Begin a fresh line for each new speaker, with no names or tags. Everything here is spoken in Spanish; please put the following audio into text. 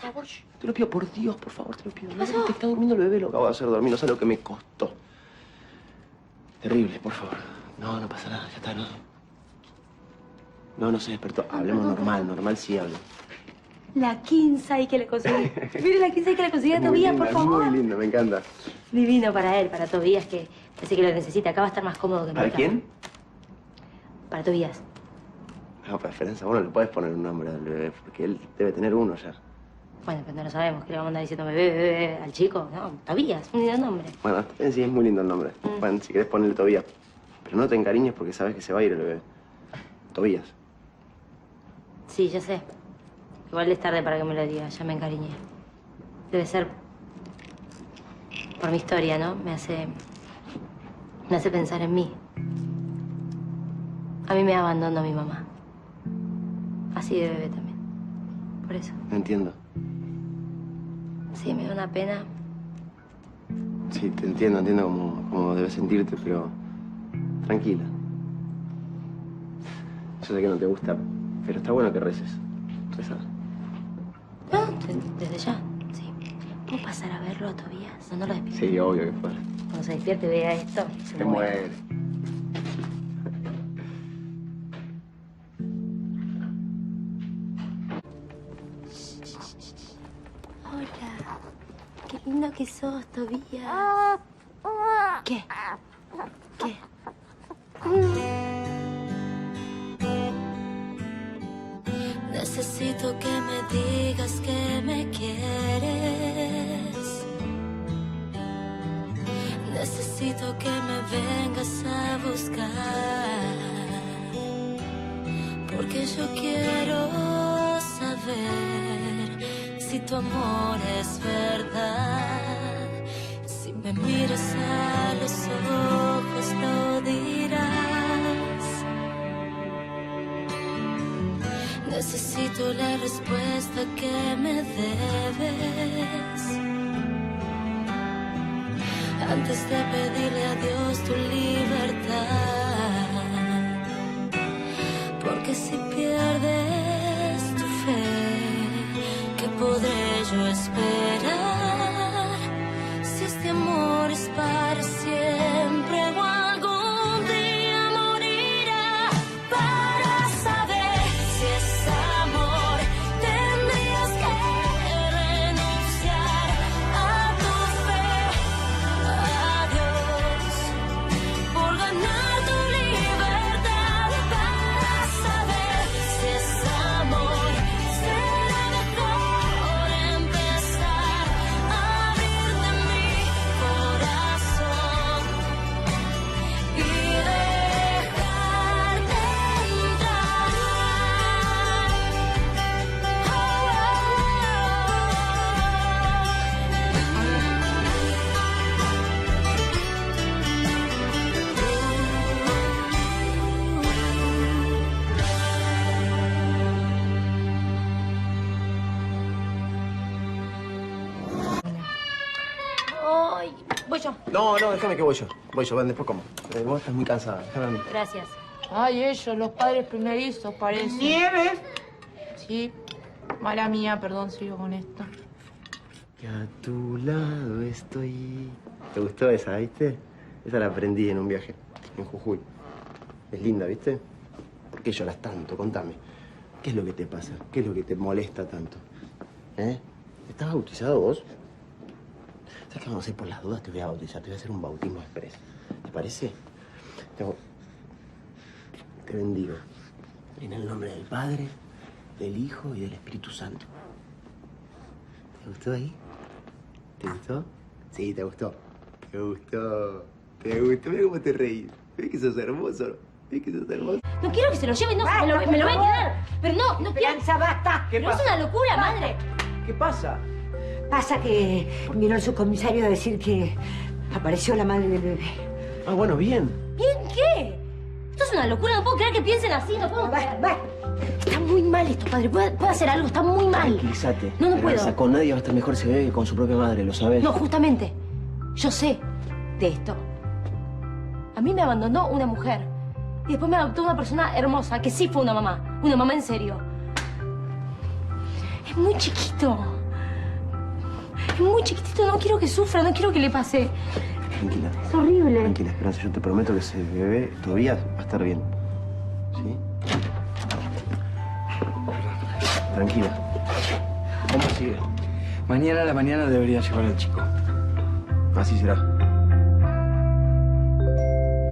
favor, te lo pido, por Dios, por favor, te lo pido. No, te está durmiendo el bebé, lo acabo de hacer dormir, no sé lo que me costó. Terrible, por favor. No, no pasa nada, ya está, no. No se despertó. Hablemos normal, sí hablo.
La Kinsey que le conseguí. Mire la Kinsey que le conseguí a Tobías, por favor.
Muy lindo, me encanta.
Divino para él, para Tobías, que parece que lo necesita. Acá va a estar más cómodo que nunca.
¿Para quién?
Para Tobías.
No, para Esperanza, bueno, le puedes poner un nombre al bebé, porque él debe tener uno ya.
Bueno, pero no lo sabemos. ¿Qué le vamos a andar diciendo bebé al chico? No, Tobías, un lindo nombre.
Bueno, sí, es muy lindo el nombre. Bueno, si querés ponerle Tobías. Pero no te encariñes porque sabes que se va a ir el bebé. Tobías.
Sí, ya sé. Igual es tarde para que me lo diga, ya me encariñé. Debe ser por mi historia, ¿no? Me hace pensar en mí. A mí me abandonó mi mamá. Así de bebé también. Por eso.
No entiendo.
Sí, me da una pena.
Sí, te entiendo cómo debes sentirte, pero tranquila. Yo sé que no te gusta, pero está bueno que reces. Reza.
No, desde ya, sí. ¿Puedo pasar a verlo a Tobías? No lo despierto.
Sí, obvio que fuera.
Cuando se despierte y vea esto,
se muere.
Hola. Qué lindo que sos, Tobías. ¿Qué? ¿Qué?
Necesito que me digas que me quieres. Necesito que me vengas a buscar. Porque yo quiero saber si tu amor es verdad. Si me miras a los ojos lo dirás. Necesito la respuesta que me debes antes de pedirle a Dios tu libertad. Porque si pierdes tu fe, ¿qué podré yo esperar? Si este amor es para siempre o algún día morirá. Para saber si es amor, tendrías que renunciar a tu fe, a Dios, por ganar tu libertad. Para saber si es amor, será mejor empezar a abrirte mi corazón y dejarte entrar.
Ay, voy yo.
No, déjame que voy yo. Ven, después como. Vos estás muy cansada, déjame a mí.
Gracias.
Ay, ellos, los padres primerizos, parece.
¿Nieves?
Sí. Mala mía, perdón, sigo con esto.
Que a tu lado estoy. ¿Te gustó esa, viste? Esa la aprendí en un viaje, en Jujuy. Es linda, ¿viste? ¿Por qué lloras tanto? Contame. ¿Qué es lo que te pasa? ¿Qué es lo que te molesta tanto? ¿Eh? ¿Estás bautizado vos? ¿Sabes qué vamos a hacer por las dudas? Te voy a bautizar, te voy a hacer un bautismo express. ¿Te parece? Te bendigo. En el nombre del Padre, del Hijo y del Espíritu Santo. ¿Te gustó ahí? ¿Te gustó? Sí, te gustó. Te gustó. Te gustó. Mira cómo te reís. ¿Ves que sos hermoso? ¿Ves que sos hermoso?
No quiero que se lo lleven, no,
Basta,
me lo voy a
por favor.
quedar. Pero no quiero.
Esperanza, basta.
Pero es una locura, madre.
¿Qué pasa?
Pasa que vino el subcomisario a decir que apareció la madre del bebé.
Ah, bueno, bien.
¿Bien qué? Esto es una locura, no puedo creer que piensen así, no puedo creer.
Va.
Está muy mal esto, padre. ¿Puede hacer algo? Está muy mal.
Tranquilízate.
No
Esperanza,
puedo.
con nadie va a estar mejor ese bebé que con su propia madre, ¿lo sabes?
No, justamente. Yo sé de esto. A mí me abandonó una mujer. Y después me adoptó una persona hermosa, que sí fue una mamá. Una mamá en serio. Es muy chiquito. Es muy chiquitito, no quiero que sufra, no quiero que le pase.
Tranquila.
Es horrible.
Tranquila, Esperanza. Yo te prometo que ese bebé todavía va a estar bien. ¿Sí? Tranquila. ¿Cómo sigue?
Mañana a la mañana debería llevar al chico.
Así será.